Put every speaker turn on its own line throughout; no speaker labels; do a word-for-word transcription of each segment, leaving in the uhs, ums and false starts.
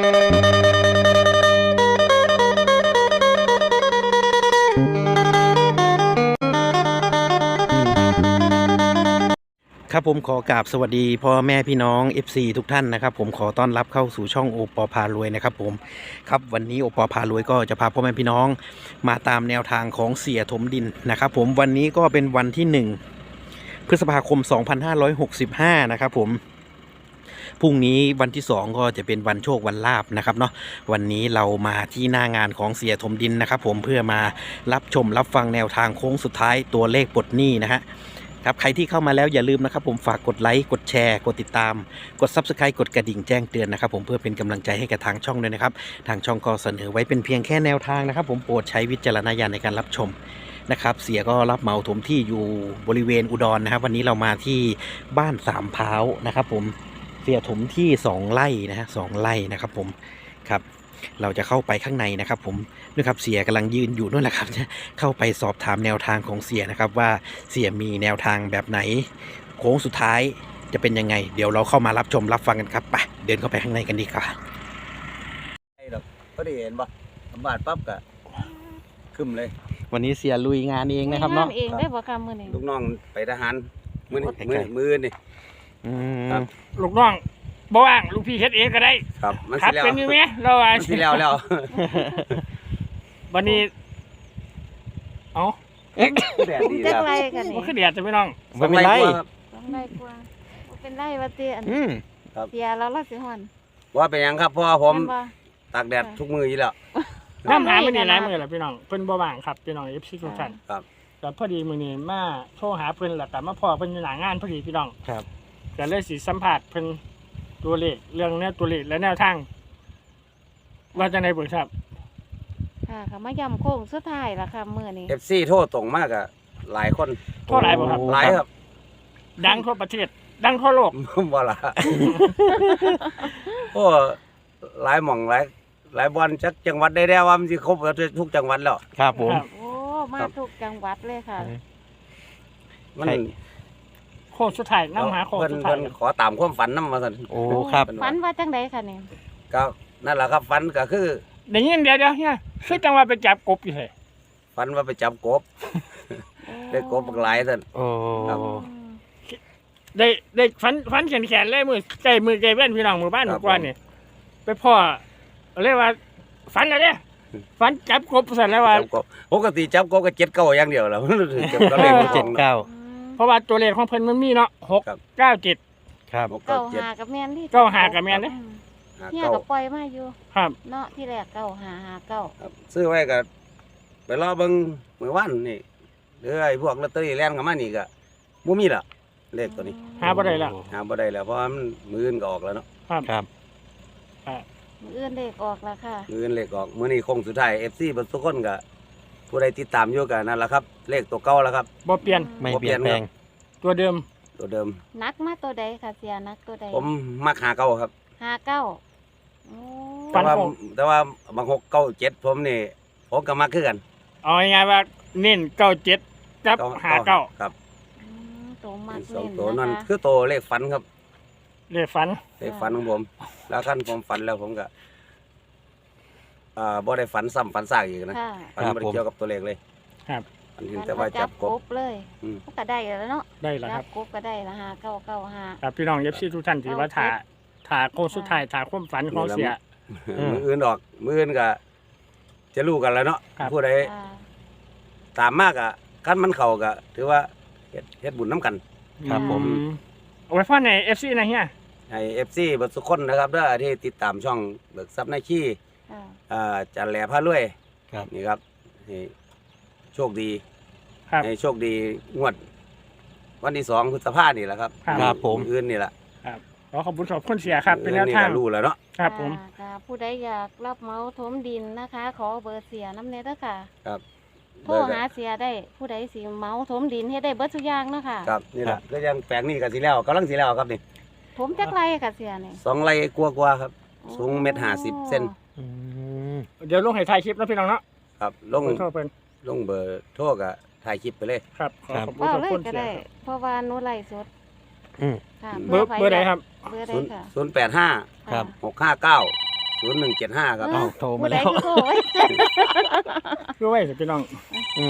ครับผมขอกราบสวัสดีพ่อแม่พี่น้อง เอฟ ซี ทุกท่านนะครับผมขอต้อนรับเข้าสู่ช่องโอปอพารวยนะครับผมครับวันนี้โอปอพารวยก็จะพาพ่อแม่พี่น้องมาตามแนวทางของเสียถมดินนะครับผมวันนี้ก็เป็นวันที่หนึ่งพฤษภาคมสองพันห้าร้อยหกสิบห้านะครับผมพรุ่งนี้วันที่สองก็จะเป็นวันโชควันลาภนะครับเนาะวันนี้เรามาที่หน้างานของเสียถมดินนะครับผมเพื่อมารับชมรับฟังแนวทางโค้งสุดท้ายตัวเลขปลดหนี้นะฮะครับใครที่เข้ามาแล้วอย่าลืมนะครับผมฝากกดไลค์กดแชร์กดติดตามกด ซับสไครบ์ กดกระดิ่งแจ้งเตือนนะครับผมเพื่อเป็นกำลังใจให้กับทางช่องด้วยนะครับทางช่องก็เสนอไว้เป็นเพียงแค่แนวทางนะครับผมโปรดใช้วิจารณญาณในการรับชมนะครับเสียก็รับเหมาถมที่อยู่บริเวณอุดรนะครับวันนี้เรามาที่บ้านสามพร้าวนะครับผมเสียถมที่สองไร่นะฮะสองไร่นะครับผมครับเราจะเข้าไปข้างในนะครับผมนะครับเสียกำลังยืนอยู่นู่นแหละครับเข้าไปสอบถามแนวทางของเสียนะครับว่าเสียมีแนวทางแบบไหนโค้งสุดท้ายจะเป็นยังไงเดี๋ยวเราเข้ามารับชมรับฟังกันครับไปเดินเข้าไปข้างในกันดีกว่า
ก็ได้เห็นป่ะบาดปั๊บกะขึ้นเลย
วันนี้เสียลุยงานเองนะครับเนาะ
เองได้บ่ค่ะมื้อนี้
ลูกน้องไปทหารมื้อนี้มื้อมื้อนี่
ครับ
ลูกน้องบ่ว่างลูกพี่เฮ็ดเองก็ได้
ครับมัน
สิแล้วเป็นอยู่มั้ยเราว่า
สิแล้วแล้ว
วันนี้เอ้า
แดดดี
แล้ว
บ่คือแดดจะพี่น้อง
บ่เป็นไร
ต้องได้กว่าบ่เป็นไรว่าติอันเสียแล้วล่ะสิฮ้อน
ว่าเป็นหยังครับเพราะว่าผมตากแดดทุกมื้ออยู่แล้ว
น้ำหามื้อนี้หลายมื้อแล้วพี่น้องเพิ่นบ่ว่างครับพี่น้อง เอฟ ซี ทุกท่าน
ครับ
ก็พอดีมื้อนี้มาโทรหาเพิ่นแล้วก็มาพ้อเพิ่นอยู่หน้างานพอดีพี่น้อง
ครับ
ก็เลยสิสัมภาษณ์เพิ่นตัวเลขเรื่องแนวตัวเลขและแนวทางว่าจังได๋บ่ครับ
ค่ะค่ะมาย้ำโค้งสุดท้ายล่ะค่ะมื้อนี้
เอฟ ซี โทรตรงมากอ่ะหลายคน
โทรหลายบ่ครับ
หลายครับ
ดังทั่วประเทศดังทั่วโลก
บ่ล่ะโอ้หลายหม่องหลายหลายบ่อนจักจังหวัดได้แล้วว่ามันสิครบทุกจังหวัดแล้ว
ครับผม
โอ้มาทุกจังหวัดเลยค่ะ
มัน
โค้งสุดท้ายนำหาโค้งสุดท้าย
เพิ่นขอตามความฝันนำว่าซั่น
โอ้ครับ
ฝันว่าจังได๋ค่ะนี่
ก็นั่นแหละครับฝันก็คือ
ได้ยินเดี๋ยวๆเฮียคือจังว่าไปจับกบอยู่แท้
ฝันว่าไปจับกบได้กบบักหลายซั่น
โอ้ครับ
ได้ได้ฝันฝันแขนๆเลยมือใจมือใจเว้นพี่น้องหมู่บ้านกว่านี่ไปพ่อเรียกว่าฝันอะไรฝันจับกบซั่นแล้วว่า
ปกติจับกบก็เจ็ดเก้าอย่างเดียวแล้วเก็บก็เลข
เจ็ดเก้า
เพราะว่าตัวเลขของเพิ่นมันมีเนาะหก เก้า เจ็ด
ครับ
เก้าห้ากับแม่นที่
เก้าห้ากับแม่นเด้
เฮียก็ปล่อยมาอยู่
ครับ
เนาะที่แรกเก้าห้าห้าเก้า
ครับซื้อไว้ก็ไปรอเบิ่งมื้อวานนี่หรือไอ้พวกลอตเตอรี่แล่นเข้ามานี่ก็บ่มีละเลขตัวนี้
หาบ่ได้แล้ว
หาบ่ได้แล้วเพราะมันมื้ออื่นก็ออกแล้วเนาะ
ครับ
ครับ
มื้ออื่นเลขออกแล้วค่ะ
มื้ออื่นเลขออกมื้อนี้คงสุดท้าย เอฟ ซี เบิดทุกคนก็ผู้ใดติดตามอยู่ก็นั่นล่ะครับเลขตัวเก่าแล้วครับ
บ่เปลี่ยน
ไม่เปลี่ยนแปลง
ตัวเดิม
ตัวเดิม
นักมาตัวใดค่ะเสียนักตัวใด
ผมมักหาเก้าครับ
ห้าเก้าโอ้
แต่ว่าแต่ว่าบางหกเก้าเจ็ดผมนี่ผมก็มักคือกัน
เอาง่ายๆว่าเน้นเก้าเจ็ดกับห้าเก้า
ครับ
ตัวมัก
เน้นตัวนั้นคือตัวเลขฝันครับ
เลขฝัน
เลขฝันของผมแล้วคันผมฝันแล้วผมก็อ่าบ่ได้ฝันซ้ำฝันซากอีกนะฝันบ่ได้เกี่ยวกับตัวเลขเลย
ครับ
อันนี้แต่ว่าจับกบ
เลยก็ได้แล้วเนาะ
ได้แล้วครับ
กบก็ได้ละห้าเก้าเก้าห้า
ครับพี่น้องเอฟซีทุกท่านที่ว่าถ่าถ่าโค้งสุดท้ายถ่าความฝันของเสีย
มื้ออื่นออกมื้ออื่นก็จะรู้กันแล้วเนาะผู้ใดตามมากอ่ะคันมันเข้าก็ถือว่าเฮ็ดเฮ็ดบุญนํกัน
ครับผม
เอาไว้พ่อใน เอฟ ซี นะเฮีย
ให้ เอฟ ซี เบิดทุกคนนะครับเด้อที่ติดตามช่องเบิกทรัพย์นายขี้อ่าจันแหล่พารวย
ครับ
นี่ครับให้โชคดี
ครับ
ให้โชคดีงวดวันที่สองพฤษภาคมนี่แหละครับ
ครับผม
อื่นนี่แหละ
ครับขอขอบคุณขอบคุณเสียครับเป็นแนวทาง
รู้แล้วเนาะ
ครับผม
ผู้ใดอยากรับเหมาถมดินนะคะขอเบอร์เสียน้ำเนเด้อค่ะ
ครับ
โทรหาเสียได้ผู้ใดสิเหมาถมดินให้ได้เบิดทุกอย่างเนาะค่ะ
ครับนี่แหละก็ยังแปลงนี่ก็สิแล้วกำลังสิแล้วครับนี่
ถมจักไรค่ะเสียนี่
สองไร่กว่าๆครับสูงเมตรห้าสิบเซน
เดี๋ยวลงให้ถ่ายคลิปนะพี่น้องเนาะ
ครับลงลงเบอร์โทรก็ถ่ายคลิปไปเลย
ครับ
ขอบคุณเลยก็ได้เพราะว่าหนูไลฟ์สด
เบอร์เบอร์ใดครับ
เบอร์ใดค่ะศูนย์แปดห้าครับหกห้าเก้าศูศูนย์หนึ่งเจ็ดห้าครับ
อ้าวโทรมา
ผู้ใด
แล้ว
คือโทรไว้
คือไว้สิพี่น้อง
อืม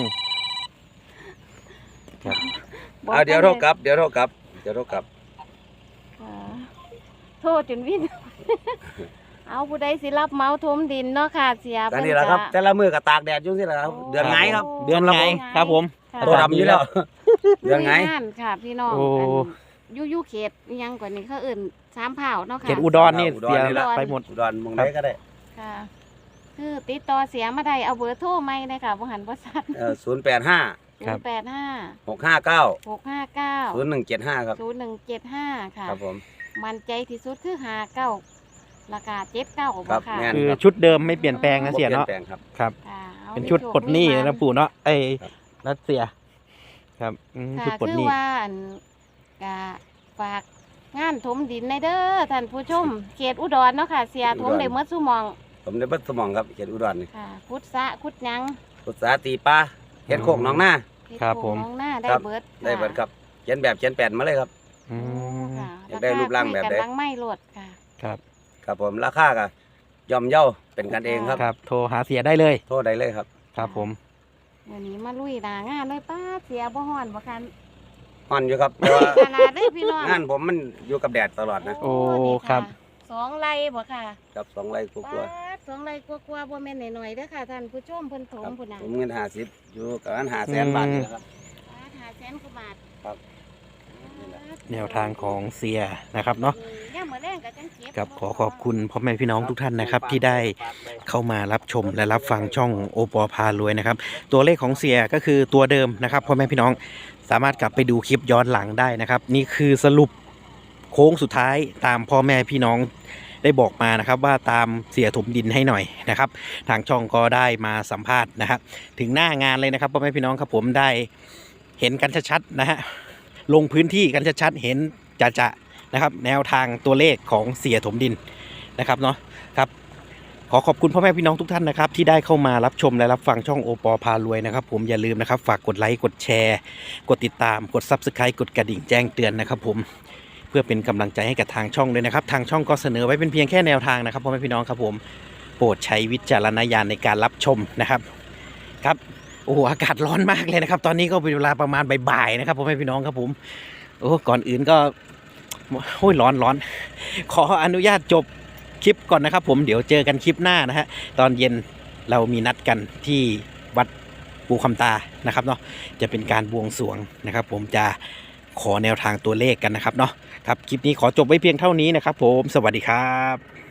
บอก
เอาเดี๋ยวโทรกลับเดี๋ยวโทรกลับเดี๋ยวโทรกลับ
อ่าโทษจนวิน เอาผู้ใดสิรับเหมาถมดินเนาะค่ะเสีย
ก็นี่แหละครับแต่ละมือก็ตากแดดอยู่นี่แหละครับเดือนไงครับ
เดือนไงครับผม
ค่ะ
ตัวดำอยู่แล้วเดือนไง
ลุยงานค่ะพี่น้อง
โอ้
อันอยู่อยู่เขตอิหยังกว่านี้เขาเอื่นสามเผ่าเนาะค่ะ
เขตอุดรนี่
อุดร
เสีย
นี่แหละ
ไปหมด
อุดรมองไหนก็ได้
ค่ะคือติดต่อเสียมาได้เอาเบอร์โทรไหมเลยค่ะบ่หันบ่ซัด
ศูนย์แปดห้า
ศูนย์แปดห้า
หกห้าเก้า
หกห้าเก้า
ศูนย์หนึ่งเจ็ดห้าครับ
ศูนย์หนึ่งเจ็ดห้าค่ะ
ครับผม
มันใจที่สุดคือหาเก้าราคาเจ็ดเก้า
ครับ
ค่ะ
แม่น
คือชุดเดิมไม่เปลี่ยนแปลงนะเสียเนาะ
บ่ปลี่ยนแปลงครับ
ครับ
ค่ะอา
เป็นชุดปลดหนี้
ให้โชค
นะปู่เนาะไอ้
ครับ
รัสเซีย ครับอืม
ค่ะ
ชุดปลด
คือ
หนี้
ว่าอันกะฝากงานถมดินในเด้อท่านผู้ชม เขตอุดรเนาะค่ะ เสียถมได้เมื่อสุหมอง
ผมได้บัดสมองครับเขตอุดรนี่
ค่ะคุดสะคุดหยัง
อุตสาหตีปลาเฮ็ดโคกหน้องหน้า
เฮ็ด
ครับ
โง
ผม
น้องหน้าได้
ครับ
เบิดะ
ได้เบิดครับเขียนแบบเขียนแปลนมาเลยครับ
อืม
ค่ะ
อยากได้รูปร่างแบบใด
กำลังไม่โหลดค่ะ
ครับ
ครับผมราคาก็ย่อมเย่าเป็นกันเองครับ
ครับ โทรหาเสียได้เลย
โทษได้เลยครับ
ครับผม
วันนี้มาลุยหนางานเลยป้าเสียบ่ฮ้อนบ่คัน
อ่อนอยู่ครับแต่ว่า
ขนาดเลยพี่น้อง
งานผมมันอยู่กับแดดตลอดนะ
โอ้
นี่ะ
ครับ
สองไร่บ่ค่ะ
กับสองไร่ก
ป้า
ว่า
ดสองไร่กว่าๆบ่แม่นหน่อยๆเด้อค่ะท่านผู้ชมเพิ่นถ
ๆ
ม
ครับ
พุ่นน่ะ
ผมเงินห้าสิบอยู่กับอันหาแสนบาทนี่แหละครับ
ป้าดห้าแสนกว่าบาท
ครับ
แนวทางของเสียนะครับเนาะ
ย่ามมื้อแรงก็จังเก็บ
ครับขอขอบคุณพ่อแม่พี่น้องทุกท่านนะครับ ที่ได้เข้ามารับชมและรับฟังช่องโอปอพารวยนะครับ ตัวเลขของเสียก็คือตัวเดิมนะครับพ่อแม่พี่น้องสามารถกลับไปดูคลิปย้อนหลังได้นะครับ นี่คือสรุปโค้งสุดท้ายตามพ่อแม่พี่น้องได้บอกมานะครับ ว่าตามเสียถมดินให้หน่อยนะครับ ทางช่องก็ได้มาสัมภาษณ์นะครับ ถึงหน้างานเลยนะครับพ่อแม่พี่น้องครับผมได้เห็นกันชัดๆนะฮะลงพื้นที่กันชัดๆเห็นจะๆนะครับ แนวทางตัวเลขของเสียถมดินนะครับเนาะครับขอขอบคุณพ่อแม่พี่น้องทุกท่านนะครับ ที่ได้เข้ามารับชมและรับฟังช่องโอปอพารวยนะครับ ผมอย่าลืมนะครับฝากกดไลค์กดแชร์ กดติดตามกด ซับสไครบ์ กดกระดิ่งแจ้งเตือนนะครับผมเพื่อเป็นกำลังใจให้กับทางช่องด้วยนะครับ ทางช่องก็เสนอไว้เป็นเพียงแค่แนวทางนะครับพ่อแม่พี่น้องครับผมโปรดใช้วิจารณญาณในการรับชมนะครับครับโอ้โหอากาศร้อนมากเลยนะครับ ตอนนี้ก็เป็นเวลาประมาณบ่ายๆนะครับพ่อแม่พี่น้องครับผมโอ้ก่อนอื่นก็โอ้ยร้อนร้อนขออนุญาตจบคลิปก่อนนะครับผมเดี๋ยวเจอกันคลิปหน้านะฮะตอนเย็นเรามีนัดกันที่วัดปูคำตานะครับเนาะจะเป็นการบวงสรวงนะครับ ผมจะขอแนวทางตัวเลขกันนะครับเนาะครับคลิปนี้ขอจบไว้เพียงเท่านี้นะครับผมสวัสดีครับ